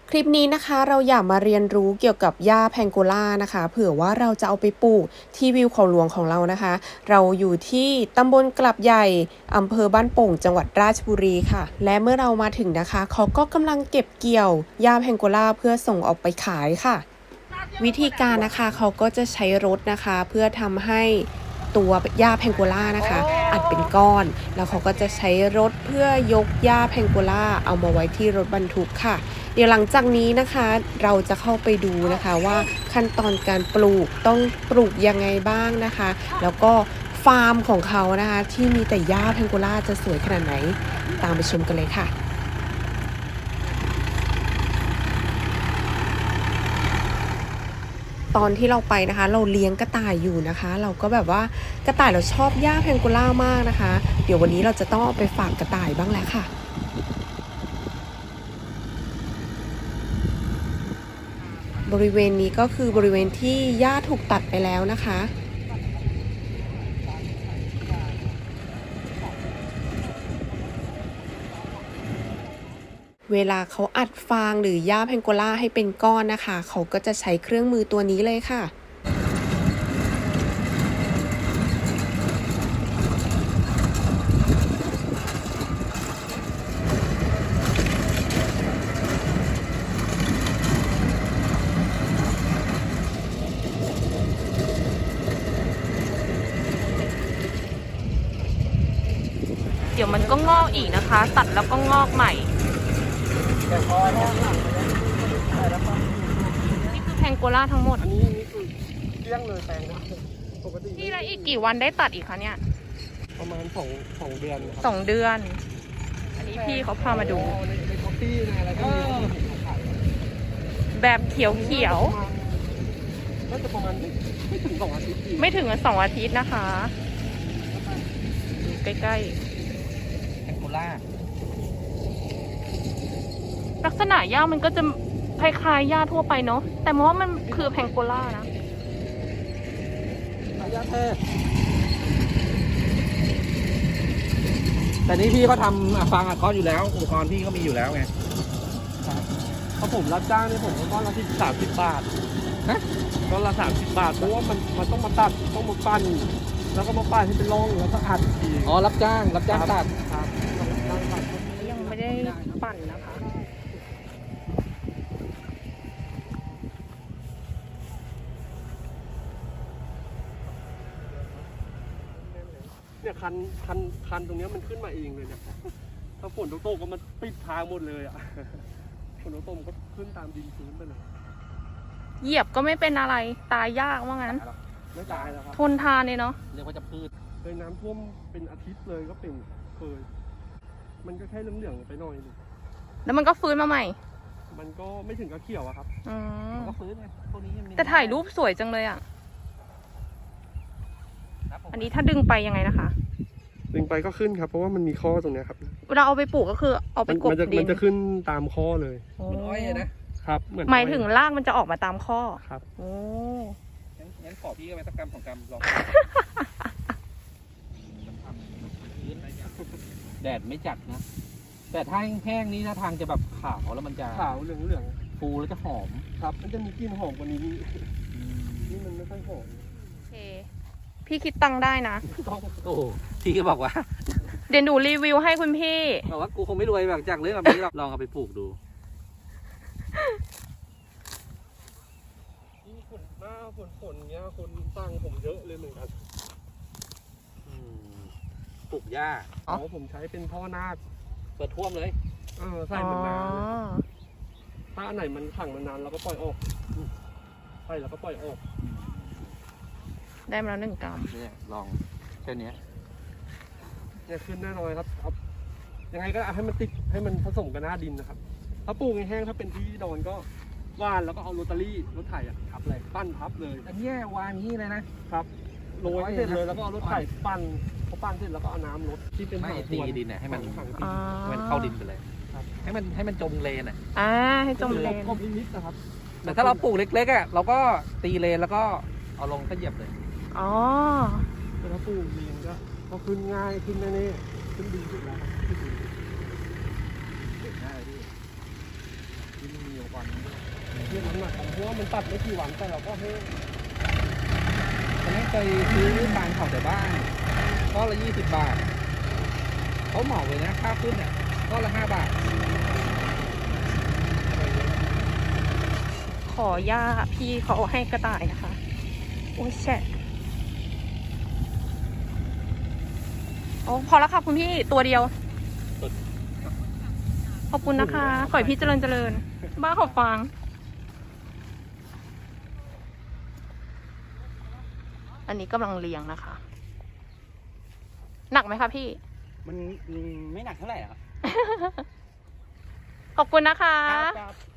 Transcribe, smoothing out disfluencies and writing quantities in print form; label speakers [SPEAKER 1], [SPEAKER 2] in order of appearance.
[SPEAKER 1] คลิปนี้นะคะเราอยากมาเรียนรู้เกี่ยวกับหญ้าแพงโกล่านะคะเผื่อว่าเราจะเอาไปปลูกที่วิวเขาหลวงของเรานะคะเราอยู่ที่ตำบลกลับใหญ่อำเภอบ้านโป่งจังหวัดราชบุรีค่ะและเมื่อเรามาถึงนะคะเขาก็กำลังเก็บเกี่ยวหญ้าแพงโกล่าเพื่อส่งออกไปขายค่ะวิธีการนะคะเขาก็จะใช้รถนะคะเพื่อทำให้ตัวหญ้าแพงโกล่านะคะอัดเป็นก้อนแล้วเขาก็จะใช้รถเพื่อยกหญ้าแพงโกล่าเอามาไว้ที่รถบรรทุกค่ะเดี๋ยวหลังจากนี้นะคะเราจะเข้าไปดูนะคะว่าขั้นตอนการปลูกต้องปลูกยังไงบ้างนะคะแล้วก็ฟาร์มของเขานะคะที่มีแต่หญ้าแพงโกล่าจะสวยขนาดไหนตามไปชมกันเลยค่ะตอนที่เราไปนะคะเราเลี้ยงกระต่ายอยู่นะคะเราก็แบบว่ากระต่ายเราชอบหญ้าแพงโกล่ามากนะคะเดี๋ยววันนี้เราจะต้องเอาไปฝากกระต่ายบ้างแหละค่ะบริเวณนี้ก็คือบริเวณที่หญ้าถูกตัดไปแล้วนะคะเวลาเขาอัดฟางหรือหญ้าแพงโกล่าให้เป็นก้อนนะคะเขาก็จะใช้เครื่องมือตัวนี้เลยค่ะ
[SPEAKER 2] เดี๋ยวมันก็งอกอีกนะคะตัดแล้วก็งอกใหม่นี่คือแพงโกล่าทั้งหมด
[SPEAKER 3] อันนี้คือเลี้ยงเลยแปลงนะปกติ
[SPEAKER 2] นี่แล้วอีกกี่วันได้ตัดอีกคะเนี่ย
[SPEAKER 3] ประมาณสองเดือนครับ
[SPEAKER 2] 2 เดือน อันนี้พี่เขาพามาดู
[SPEAKER 3] ในคอฟฟี่ในอะไรก็มี
[SPEAKER 2] แบบเขียว
[SPEAKER 3] น่าจะประมาณไม่ถึง2 อาทิตย์
[SPEAKER 2] ไม่ถึง2 อาทิตย์นะคะดูใกล้
[SPEAKER 3] แพงโกล่า
[SPEAKER 2] ๆลักษณะหญ้ามันก็จะคล้ายๆหญ้าทั่วไปเนาะแต่มองว่ามันคือแพงโกล่านะ
[SPEAKER 3] หญ้าแท้แต่นี้พี่ก็ทำฟางอัดก้อนอยู่แล้วอุปกรณ์พี่ก็มีอยู่แล้วไงเพราะผมรับจ้างนี่ผมก็ก้อนละ30 บาทนะก้อนละ30 บาทเพราะว่ามันต้องมาตัดต้องมาปั้นแล้วก็มาปั้นให้เป็นร่องแล้วก็อัดอีกรับจ้างตัดครับ
[SPEAKER 2] ยังไม่ได้ปั่นนะคะ
[SPEAKER 3] เนี่ยคันตรงนี้มันขึ้นมาเองเลยเนี่ยถ้าฝนตกก็มันปิดทางหมดเลยอ่ะฝนตกมันก็ขึ้นตามดินพื้นไปเลย
[SPEAKER 2] เหยียบก็ไม่เป็นอะไรตายยากว่างั้น
[SPEAKER 3] ไม่ตายแล้วครับ
[SPEAKER 2] ทนทานเลยเนาะ
[SPEAKER 3] เรียกว่าจะพืชเคยน้ำท่วมเป็นอาทิตย์เลยก็เป็นเคยมันก็แค่เหลืองๆไปหน่อยนึง
[SPEAKER 2] แล้วมันก็ฟื้นมาใหม่
[SPEAKER 3] มันก็ไม่ถึงกับเขียวอะครับมันก็ฟื้นไงพวกนี้
[SPEAKER 2] แต่ถ่ายรูปสวยจังเลยอ่ะอันนี้ถ้าดึงไปยังไงนะคะ
[SPEAKER 3] ดึงไปก็ขึ้นครับเพราะว่ามันมีข้อตรงนี้ครับ
[SPEAKER 2] เวลาเอาไปปลูกก็คือเอาไปกบดิน
[SPEAKER 3] มันจะขึ้นตามข้อเลย
[SPEAKER 2] เหมือนอ้อย
[SPEAKER 3] นะครับ
[SPEAKER 2] หมายถึงรากมันจะออกมาตามข้อ
[SPEAKER 3] ครับ
[SPEAKER 2] โอ้
[SPEAKER 3] งั้นขอพี่ไปสักกรรมของกรรมลอง
[SPEAKER 4] แดดไม่จัดนะแต่ถ้าแห้งๆนี้ถ้าทางจะแบบขาวแล้วมันจะ
[SPEAKER 3] ขาวเหลือง
[SPEAKER 4] ฟูแล้วจะหอม
[SPEAKER 3] ครับมันจะมีกลิ่นหอมกว่านี้นี่มันไม่ค่อยหอม
[SPEAKER 2] โอเคพี่คิดตังค์ได้นะ
[SPEAKER 4] โอ้พี่ก็บอกว่า
[SPEAKER 2] เดี๋ยวหนูรีวิวให้คุณพี่
[SPEAKER 4] บอกว่ากูคงไม่รวยแบบจากเรื่องแบบนี้หรอกลองเอาไปปลูกดู
[SPEAKER 3] ยิ่งฝนหน้าฝนเงี้ยคนตั้งผมเยอะเลยเหมือนกัน
[SPEAKER 4] ปลูกหญ้า
[SPEAKER 3] ผมใช้เป็นท่อนาค
[SPEAKER 4] เปิดท่วมเลย
[SPEAKER 3] ใส่เหมือนน้ำถ้าอันไหนมันขังมานานเราก็ปล่อยออกใส่แล้วก็ปล่อยออก
[SPEAKER 2] ได้มาแล้ว1 กรัม
[SPEAKER 4] เนี่ยลองแค่นี้
[SPEAKER 3] เนี่ยขึ้นแน่นอนครับยังไงก็ให้มันติดให้มันผสมกับหน้าดินนะครับถ้าปลูกแห้งถ้าเป็นที่ดอนก็ว่านแล้วก็เอารถไถทับเลยปั้นทับเลย
[SPEAKER 4] อันนี้วางนี้เลยนะครับ
[SPEAKER 3] โรยเสร็จเลยแล้วก็เอารถไถปั้นพอปั้นเสร็จแล้วก็เอาน้ำรดที่เป็น
[SPEAKER 4] ไม่ตีดินเนี่ยให้มันเข้าดินไปเลยให้มันจมเลน
[SPEAKER 2] ให้จมเลน
[SPEAKER 3] ก็นิดนะครับ
[SPEAKER 4] แต่ถ้าเราปลูกเล็กๆอ่ะเราก็ตีเลนแล้วก็เอาลงก็เหยียบเลย
[SPEAKER 3] แต่ถ้าปลูกดินก็ขึ้นง่ายขึ้นแน่ๆขึ้นดีสุดแล้วครับ
[SPEAKER 4] เก็บง่ายพี่
[SPEAKER 3] ที่มีอุปกรณ์เรื่องน้ำหนักเพราะว่ามันตัดไม่กี่วันแต่เราก็ให้
[SPEAKER 4] ตอนนี้เคยซื้อฟางเผาแต่บ้านก้อนละ20 บาทเขาเหมาเลยนะค่าขึ้นเนี่ยก้อนละ5 บาท
[SPEAKER 2] ขอย่าพี่เขาเอาให้กระต่ายนะคะ โอ้ยแฉะโอ้พอแล้วค่ะคุณพี่ตัวเดียว ขอบคุณนะคะ ขอให้พี่เจริญ บ้าขอบฟัง อันนี้กำลังเลี้ยงนะคะ หนักไหมคะพี่
[SPEAKER 5] มันไม่หนักเท่าไหร่หรอก
[SPEAKER 2] ขอบคุณนะคะ
[SPEAKER 5] ครับ